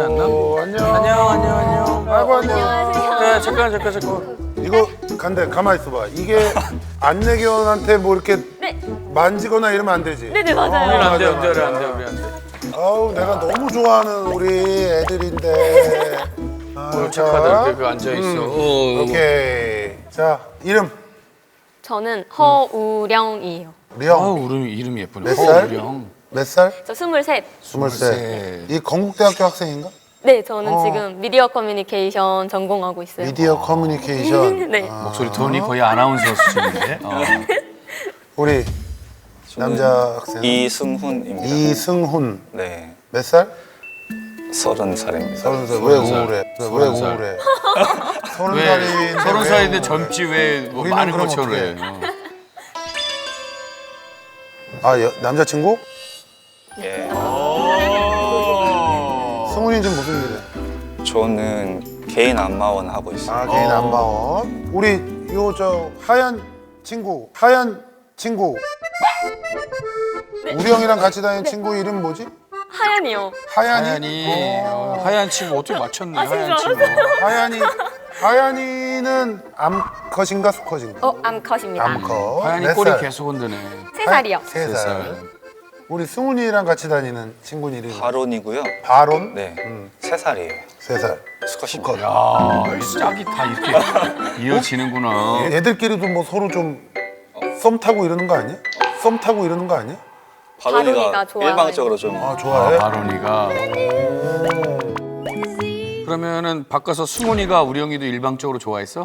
같지 않나? 안녕. 안녕. 아이고 안녕. 안녕하세요. 네, 잠깐. 이거 간대 가만 있어봐. 이게 안내견한테 뭐 이렇게 네. 만지거나 이러면 안 되지. 네네, 맞아요. 우리 안 돼, 맞아. 우리 안 돼. 아우 내가 너무 좋아하는 우리 애들인데. 아, 착하다, 이렇게 앉아 있어. 오케이. 자 이름 저는 허우령이에요. 령. 이름이 예쁘네. 몇 살? 우령. 몇 살? 저 23. 23. 이 건국대학교 학생인가? 네, 저는 지금 미디어 커뮤니케이션 전공하고 있어요. 미디어 커뮤니케이션. 네. 목소리 톤이 거의 아나운서 수준인데. 우리 남자 학생 이승훈입니다. 이승훈. 네, 몇 살? 30살입니다. 30살. 왜 우울해? 왜 30살. 우울해? 왜 30살인데 젊지 왜뭐 우리는 많은 그럼 것처럼 어떡해? 그래. 아 남자친구? 예, 승훈이 지금 무슨 일해? 저는 개인 안마원 하고 있어요. 아 개인 안마원. 우리 요 저 하얀 친구. 우리 형이랑 같이 다니는 친구 이름 뭐지? 하연이요. 하얀이. 하얀 친구 어떻게 맞췄네. 아, 진짜 하얀 친구. 하얀이는 암컷인가 수컷인가? 암컷입니다. 암컷. 하얀이 몇 꼬리 살? 계속 흔드네. 3살이요. 3살. 우리 승훈이랑 같이 다니는 친구 이름이 바론이고요. 바론? 네, 3살이에요. 3살. 수컷입니다. 야, 이 짝이 다 이렇게 이어지는구나. 애들끼리도 뭐 서로 좀 썸 타고 이러는 거 아니야? 바론이가 좋아하는. 일방적으로 좀 아 좋아해? 바론이가. 그러면은 바꿔서 승훈이가 우령이도 일방적으로 좋아했어?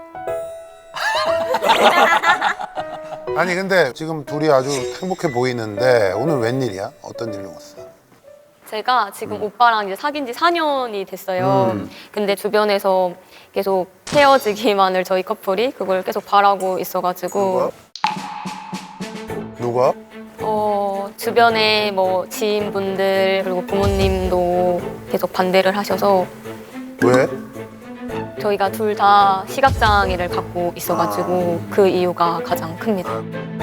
아니 근데 지금 둘이 아주 행복해 보이는데 오늘 웬일이야? 어떤 일로 왔어? 제가 지금 오빠랑 이제 사귄 지 4년이 됐어요. 근데 주변에서 계속 헤어지기만을 저희 커플이 그걸 계속 바라고 있어가지고 누가? 주변에 뭐 지인분들 그리고 부모님도 계속 반대를 하셔서 왜? 저희가 둘 다 시각장애를 갖고 있어가지고 그 이유가 가장 큽니다.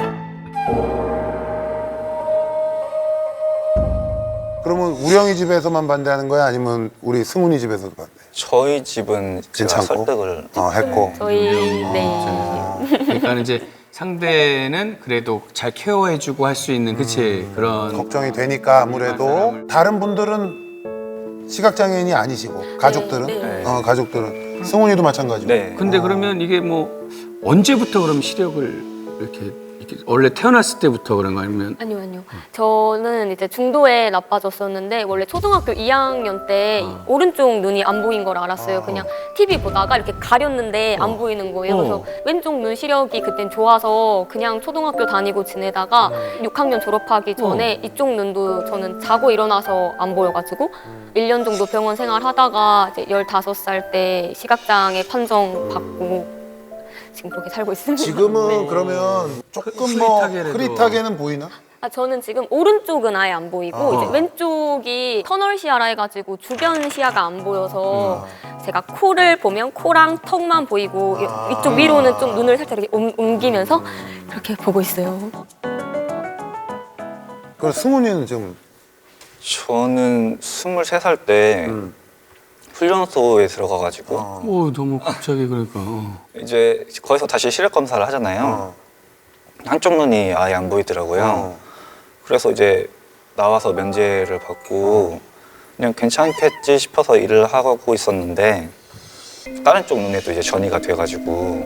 그러면 우령이 집에서만 반대하는 거야? 아니면 우리 승훈이 집에서도 반대? 저희 집은 제가 괜찮고? 설득을 했고. 저희 그러니까 이제 상대는 그래도 잘 케어해주고 할 수 있는 그치 그런 걱정이 되니까 아무래도 다른 분들은 시각장애인이 아니시고 가족들은? 네. 가족들은 승훈이도 마찬가지고. 네. 근데 그러면 이게 뭐 언제부터 그럼 시력을 이렇게 원래 태어났을 때부터 그런 거 아니면 아니요. 저는 이제 중도에 나빠졌었는데 원래 초등학교 2학년 때 오른쪽 눈이 안 보인 걸 알았어요. 그냥 TV 보다가 이렇게 가렸는데 안 보이는 거예요. 그래서 왼쪽 눈 시력이 그땐 좋아서 그냥 초등학교 다니고 지내다가 6학년 졸업하기 전에 이쪽 눈도 저는 자고 일어나서 안 보여가지고 1년 정도 병원 생활하다가 이제 15살 때 시각장애 판정 받고 지금 그렇게 살고 있습니다. 지금은 네. 그러면 조금 뭐 흐릿하게라도. 흐릿하게는 보이나? 저는 지금 오른쪽은 아예 안 보이고 이제 아. 왼쪽이 터널 시야라 해가지고 주변 시야가 안 보여서 제가 코를 보면 코랑 턱만 보이고 이쪽 위로는 좀 눈을 살짝 이렇게 옮기면서 그렇게 보고 있어요. 그럼 승훈이는 지금 저는 23살 때 훈련소에 들어가가지고 오 너무 갑자기 그러니까 이제 거기서 다시 시력 검사를 하잖아요. 한쪽 눈이 아예 안 보이더라고요. 그래서 이제 나와서 면제를 받고 그냥 괜찮겠지 싶어서 일을 하고 있었는데 다른 쪽 눈에도 이제 전이가 돼가지고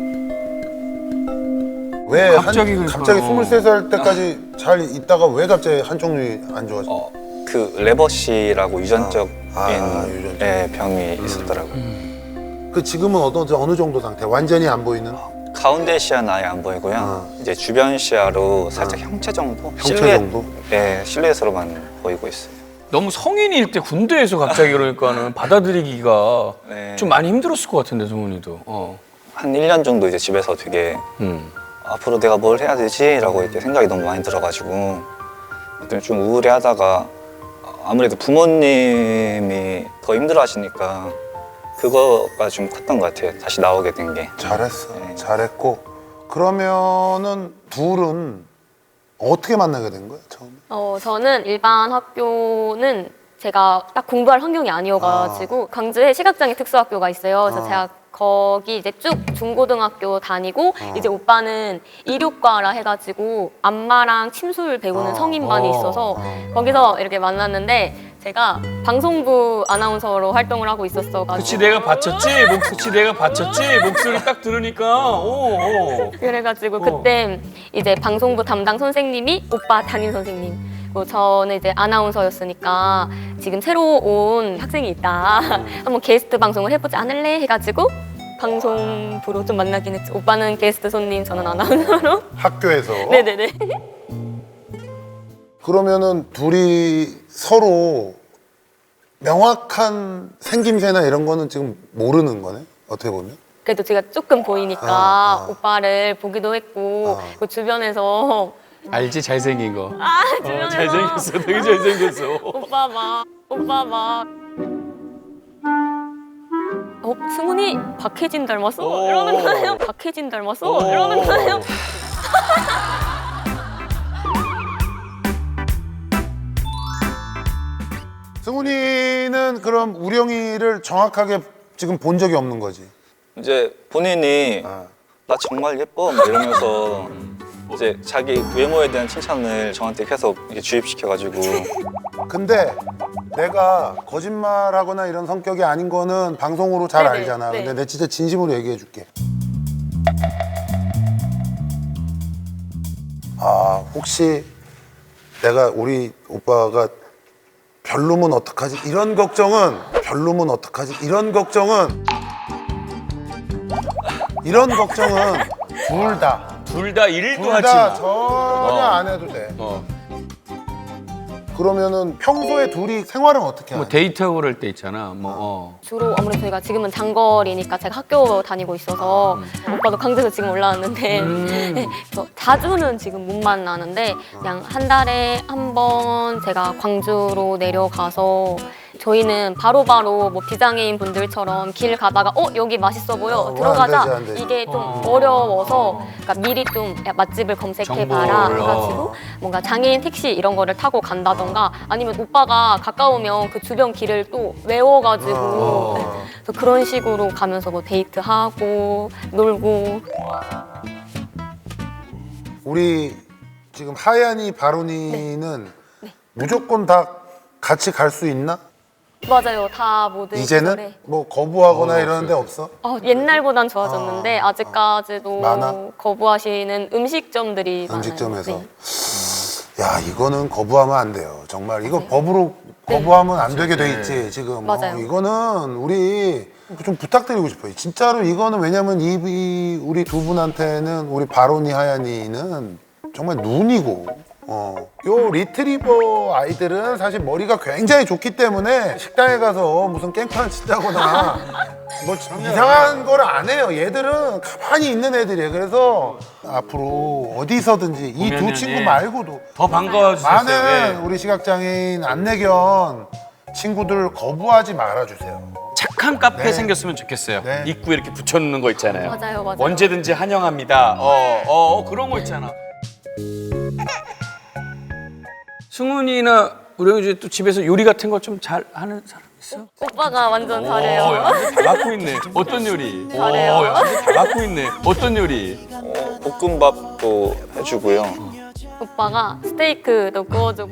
왜 갑자기 그러니까. 갑자기 23살 때까지 잘 있다가 왜 갑자기 한쪽 눈이 안 좋아져? 그 레버시라고 유전적인 유전적. 예, 병이 있었더라고요. 그 지금은 어느 정도 상태? 완전히 안 보이는? 가운데 시야는 아예 안 보이고요. 이제 주변 시야로 살짝 형체 정도? 형체 정도? 네, 실루엣으로만 보이고 있어요. 너무 성인일 때 군대에서 갑자기 그러니까는 받아들이기가 네. 좀 많이 힘들었을 것 같은데 성훈이도 한 1년 정도 이제 집에서 되게 앞으로 내가 뭘 해야 되지? 라고 이렇게 생각이 너무 많이 들어가지고 그때 좀 우울해하다가 아무래도 부모님이 더 힘들어하시니까 그거가 좀 컸던 것 같아요. 다시 나오게 된 게. 잘했어. 네. 잘했고. 그러면은 둘은 어떻게 만나게 된 거야 처음에? 저는 일반 학교는 제가 딱 공부할 환경이 아니어가지고 광주에 시각장애 특수학교가 있어요. 그래서 제가 거기 이제 쭉 중고등학교 다니고 이제 오빠는 이륙과라 해가지고 안마랑 침술 배우는 성인반이 있어서 거기서 이렇게 만났는데 제가 방송부 아나운서로 활동을 하고 있었어가지고 그치 내가 받쳤지? 그치 내가 받쳤지? 목소리 딱 들으니까 오. 그래가지고 그때 이제 방송부 담당 선생님이 오빠 담임 선생님 그리고 저는 이제 아나운서였으니까 지금 새로 온 학생이 있다 한번 게스트 방송을 해보지 않을래? 해가지고 방송부로 좀 만나긴 했죠. 오빠는 게스트 손님, 저는 아나운서로. 학교에서. 네네네. 그러면은 둘이 서로 명확한 생김새나 이런 거는 지금 모르는 거네? 어떻게 보면? 그래도 제가 조금 보이니까 오빠를 보기도 했고 그 주변에서 알지 잘생긴 거. 주변에서 잘생겼어, 되게 잘생겼어. 오빠 막 승훈이 박혜진 닮았어? 이러는 거예요. 박혜진 닮았어? 이러는 거예요. 승훈이는 그럼 우령이를 정확하게 지금 본 적이 없는 거지? 이제 본인이 나 정말 예뻐 막 이러면서 이제 자기 외모에 대한 칭찬을 저한테 계속 이렇게 주입시켜가지고 근데 내가 거짓말하거나 이런 성격이 아닌 거는 방송으로 잘 네네, 알잖아. 네. 근데 내 진짜 진심으로 얘기해 줄게. 아, 혹시 내가 우리 오빠가 별로면 어떡하지? 이런 걱정은 둘 다. 둘 다 일도 둘 하지 다 마. 전혀 안 해도 돼. 그러면은 평소에 둘이 생활은 어떻게 하냐? 뭐 데이트하고 그럴 때 있잖아. 뭐 주로 아무래도 저희가 지금은 장거리니까 제가 학교 다니고 있어서 오빠도 광주에서 지금 올라왔는데 네, 그래서 자주는 지금 못 만나는데 그냥 한 달에 한 번 제가 광주로 내려가서 저희는 바로바로 뭐 비장애인 분들처럼 길 가다가 여기 맛있어 보여 들어가자 안 되지. 이게 좀 어려워서 그러니까 미리 좀 야, 맛집을 검색해봐라 정보를, 해가지고 뭔가 장애인 택시 이런 거를 타고 간다던가 아니면 오빠가 가까우면 그 주변 길을 또 외워가지고 네. 그래서 그런 식으로 가면서 뭐 데이트하고 놀고 우리 지금 하얀이 바론이는 무조건 다 같이 갈 수 있나? 맞아요 다 모든 이제는 시절에. 뭐 거부하거나 이러는 데 없어? 옛날보단 좋아졌는데 아직까지도 많아? 거부하시는 음식점들이 음식점에서. 많아요. 네. 야, 이거는 거부하면 안 돼요. 정말 이거 법으로 거부하면 안 되게 돼 있지 지금. 맞아요. 이거는 우리 좀 부탁드리고 싶어요. 진짜로 이거는 왜냐면 이 우리 두 분한테는 우리 바론이 하얀이는 정말 눈이고. 요 리트리버 아이들은 사실 머리가 굉장히 좋기 때문에 식당에 가서 무슨 깽판을 친다거나 뭐 이상한 걸 안 해요. 얘들은 가만히 있는 애들이에요. 그래서 앞으로 어디서든지 이 두 보면은, 친구 예. 말고도 더 반가워 주셨어요. 많은 우리 시각장애인 안내견 친구들 거부하지 말아주세요. 착한 카페 네. 생겼으면 좋겠어요. 네. 입구에 이렇게 붙여놓는 거 있잖아요. 맞아요. 언제든지 환영합니다. 그런 거 있잖아. 승훈이나 우리 또 집에서 요리 같은 거 좀 잘 하는 사람 있어? 오빠가 완전 야, 잘해요. 완전 다 갖고 있네. 어떤 요리? 잘해요. 야, 완전 다 갖고 있네. 어떤 요리? 볶음밥도 해주고요. 오빠가 스테이크도 구워주고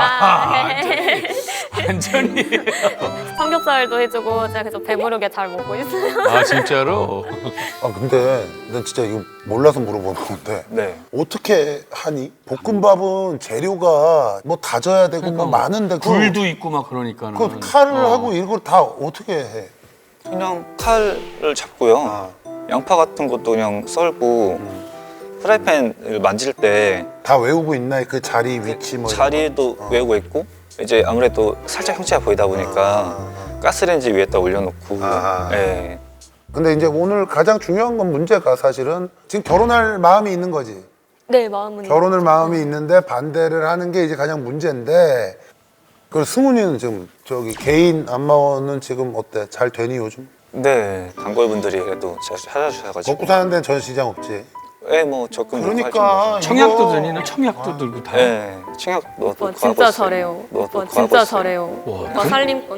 완전히. 삼겹살도 해주고 제가 그래서 배부르게 잘 먹고 있어요. 아 진짜로? 아 근데 난 진짜 이거 몰라서 물어보는 건데 네. 어떻게 하니? 볶음밥은 재료가 뭐 다져야 되고 뭐 많은데 굴도 있고 막 그러니까는. 그 칼을 하고 이걸 다 어떻게 해? 그냥 칼을 잡고요. 양파 같은 것도 그냥 썰고 프라이팬을 만질 때 다 외우고 있나? 그 자리 위치 뭐 이런 자리도 외우고 있고 이제 아무래도 살짝 형체가 보이다 보니까 가스레인지 위에다 올려놓고 아하. 예. 근데 이제 오늘 가장 중요한 건 문제가 사실은 지금 결혼할 마음이 있는 거지. 네, 마음은 결혼할 마음이 있는데 반대를 하는 게 이제 가장 문제인데. 그리고 승훈이는 지금 저기 개인 안마원은 지금 어때? 잘 되니 요즘? 네 단골분들이 그래도 잘 찾아주셔가지고 먹고 사는 데는 전 시장 없지. 예, 뭐 적금 넣고 그러니까 청약도 이거- 다니는 청약도 들고 다. 예, 청약 넣고 오빠 진짜 잘해요. 오빠 진짜 잘해요. 와, 오빠 살림꾼.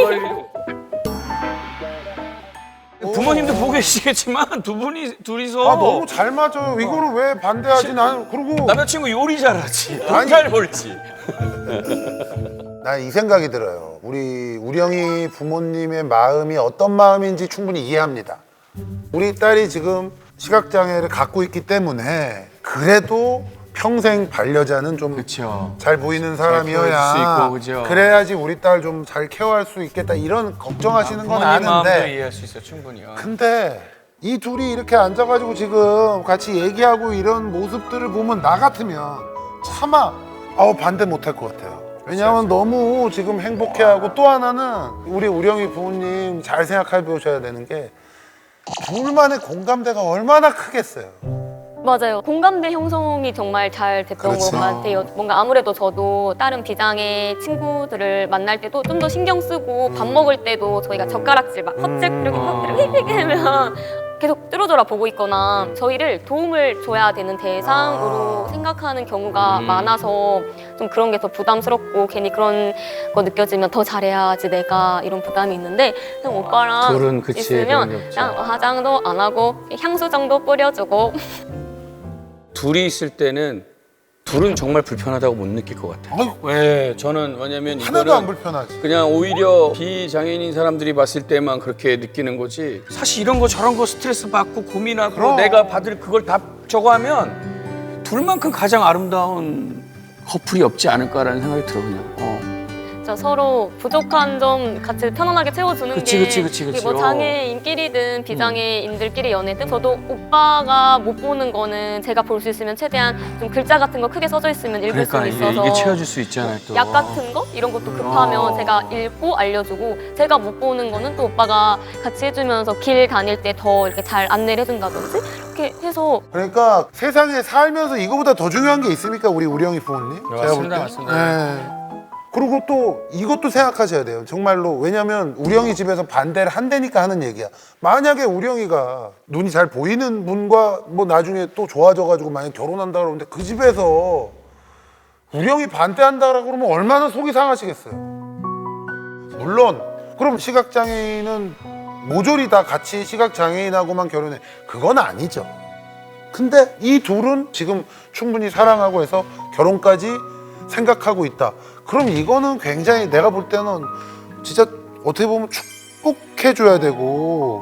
부모님도 보고 계시겠지만 둘이서 아 너무 잘 맞아요. 이거를 왜 반대하지? 나는 그리고 남자친구 요리 잘하지, 돈 아니. 잘 벌지. 난 이 생각이 들어요. 우리 우령이 부모님의 마음이 어떤 마음인지 충분히 이해합니다. 우리 딸이 지금 시각장애를 갖고 있기 때문에 그래도 평생 반려자는 좀 그렇죠. 잘 보이는 키워줄 수 사람이어야 있고, 그죠? 그래야지 우리 딸 좀 잘 케어할 수 있겠다 이런 걱정하시는 건 마음도 있는데 이해할 수 있어 충분히요. 근데 이 둘이 이렇게 앉아가지고 지금 같이 얘기하고 이런 모습들을 보면 나 같으면 차마 반대 못할 것 같아요. 왜냐하면 너무 지금 행복해하고 또 하나는 우리 우령이 부모님 잘 생각해 보셔야 되는 게 둘만의 공감대가 얼마나 크겠어요. 맞아요. 공감대 형성이 정말 잘 됐던 그렇지. 것 같아요. 뭔가 아무래도 저도 다른 비장의 친구들을 만날 때도 좀 더 신경 쓰고 밥 먹을 때도 저희가 젓가락질 막 헛질 이렇게 휙휙 하면 계속 뚫어져라 보고 있거나 저희를 도움을 줘야 되는 대상으로 생각하는 경우가 많아서 좀 그런 게 더 부담스럽고 괜히 그런 거 느껴지면 더 잘해야지 내가 이런 부담이 있는데 그냥 오빠랑 둘은 그치, 있으면 그런 게 없죠. 그냥 화장도 안 하고 향수 정도 뿌려주고 둘이 있을 때는 둘은 정말 불편하다고 못 느낄 것 같아요. 아유. 왜? 저는 왜냐면 하나도 안 이거는 불편하지. 그냥 오히려 비장애인인 사람들이 봤을 때만 그렇게 느끼는 거지. 사실 이런 거 저런 거 스트레스 받고 고민하고 그럼. 내가 받을 그걸 다 저거 하면 둘만큼 가장 아름다운 커플이 없지 않을까라는 생각이 들어 그냥. 진짜 서로 부족한 점 같이 편안하게 채워주는 그치, 게 그치, 그치, 그치. 뭐 장애인끼리든 비장애인들끼리 연애든 저도 오빠가 못 보는 거는 제가 볼 수 있으면 최대한 좀 글자 같은 거 크게 써져 있으면 읽을 그러니까 수 이게, 있어서 이게 채워줄 수 있잖아요 또. 약 같은 거 이런 것도 급하면 제가 읽고 알려주고 제가 못 보는 거는 또 오빠가 같이 해주면서 길 다닐 때 더 이렇게 잘 안내를 해준다든지 이렇게 해서 그러니까 세상에 살면서 이거보다 더 중요한 게 있습니까? 우리 우령이 부모님? 맞습니다, 맞습니다. 네. 그리고 또 이것도 생각하셔야 돼요. 정말로. 왜냐면 우령이 집에서 반대를 한다니까 하는 얘기야. 만약에 우령이가 눈이 잘 보이는 분과 뭐 나중에 또 좋아져가지고 만약 결혼한다 그러는데 그 집에서 우령이 반대한다라고 그러면 얼마나 속이 상하시겠어요. 물론 그럼 시각장애인은 모조리 다 같이 시각장애인하고만 결혼해. 그건 아니죠. 근데 이 둘은 지금 충분히 사랑하고 해서 결혼까지 생각하고 있다. 그럼 이거는 굉장히 내가 볼 때는 진짜 어떻게 보면 축복해줘야 되고.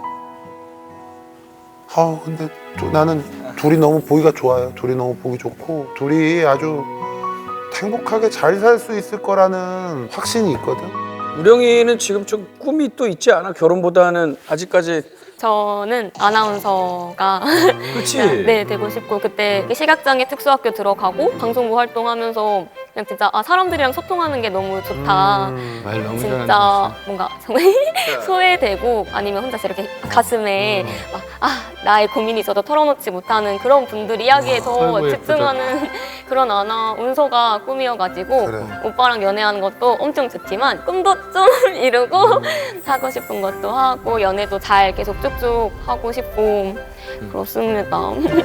근데 또 나는 둘이 너무 보기가 좋아요. 둘이 너무 보기 좋고 둘이 아주 행복하게 잘 살 수 있을 거라는 확신이 있거든. 우령이는 지금 좀 꿈이 또 있지 않아? 결혼보다는 아직까지. 저는 아나운서가 그치? 네 되고 싶고 그때 시각장애 특수학교 들어가고 방송부 활동하면서 그냥 진짜 사람들이랑 소통하는 게 너무 좋다. 말 너무 진짜 잘한다. 뭔가 정말 소외되고 아니면 혼자 이렇게 가슴에 나의 고민이 있어도 털어놓지 못하는 그런 분들 이야기에 더 아이고, 집중하는 그런 아나운서가 꿈이어가지고 그래. 오빠랑 연애하는 것도 엄청 좋지만 꿈도 좀 이루고 하고 싶은 것도 하고 연애도 잘 계속 쭉쭉 하고 싶고 그렇습니다.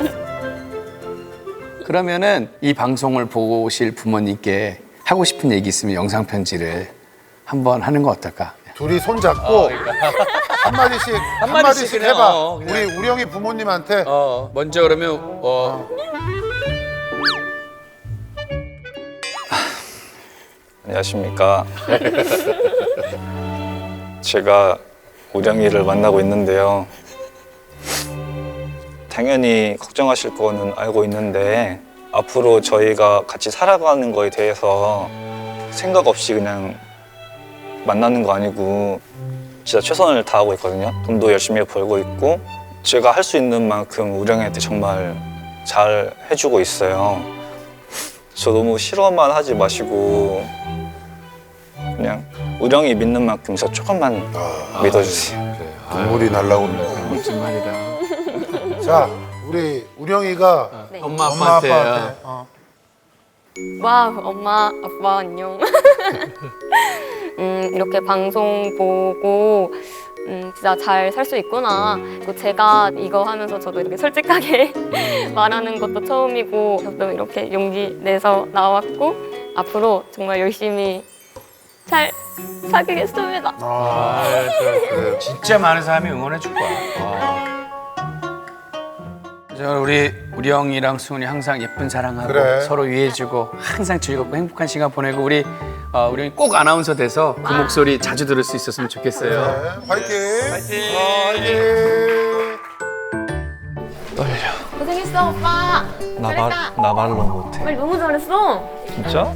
그러면은 이 방송을 보실 부모님께 하고 싶은 얘기 있으면 영상 편지를 한번 하는 거 어떨까? 둘이 손잡고 한마디씩 한마디씩 그냥, 해봐. 그냥. 우리 우령이 부모님한테 먼저 그러면 안녕하십니까. 제가 우령이를 만나고 있는데요. 당연히 걱정하실 거는 알고 있는데 앞으로 저희가 같이 살아가는 거에 대해서 생각 없이 그냥 만나는 거 아니고 진짜 최선을 다하고 있거든요. 돈도 열심히 벌고 있고 제가 할 수 있는 만큼 우령이한테 정말 잘 해주고 있어요. 저 너무 싫어만 하지 마시고 그냥 우령이 믿는 만큼 저 조금만 믿어주세요. 그래. 눈물이 날라고 그러네. 멋진 말이다. 자, 우리 우령이가 네. 엄마 엄마 아빠한테. 아빠한테 와 엄마 아빠 안녕. 이렇게 방송 보고 진짜 잘 살 수 있구나. 또 제가 이거 하면서 저도 이렇게 솔직하게 말하는 것도 처음이고 저도 이렇게 용기 내서 나왔고 앞으로 정말 열심히 잘 사귀겠습니다. 그래요. 진짜 많은 사람이 응원해 줄 거야. 저 우리 형이랑 수은이 항상 예쁜 사랑하고 그래. 서로 위해주고 항상 즐겁고 행복한 시간 보내고 우리 형이 꼭 아나운서 돼서 그 목소리 자주 들을 수 있었으면 좋겠어요. 네, 화이팅! 화이팅! 화이팅! 고생했어 오빠. 나 말로 못해. 말 너무 잘했어. 진짜?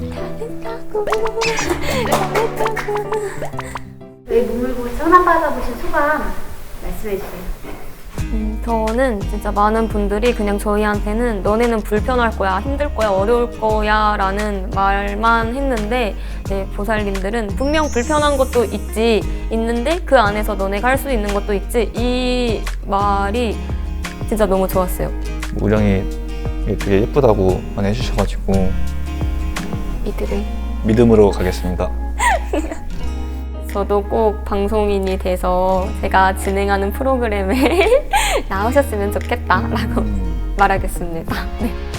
왜 몸을 보고 전화 받아보신 소감 말씀해 주세요. 저는 진짜 많은 분들이 그냥 저희한테는 너네는 불편할 거야, 힘들 거야, 어려울 거야 라는 말만 했는데 네, 보살님들은 분명 불편한 것도 있는데 그 안에서 너네가 할 수 있는 것도 있지 이 말이 진짜 너무 좋았어요. 우령이 되게 예쁘다고 많이 해주셔가지고 이들을 믿음으로 가겠습니다. 저도 꼭 방송인이 돼서 제가 진행하는 프로그램에 나오셨으면 좋겠다라고 말하겠습니다. 네.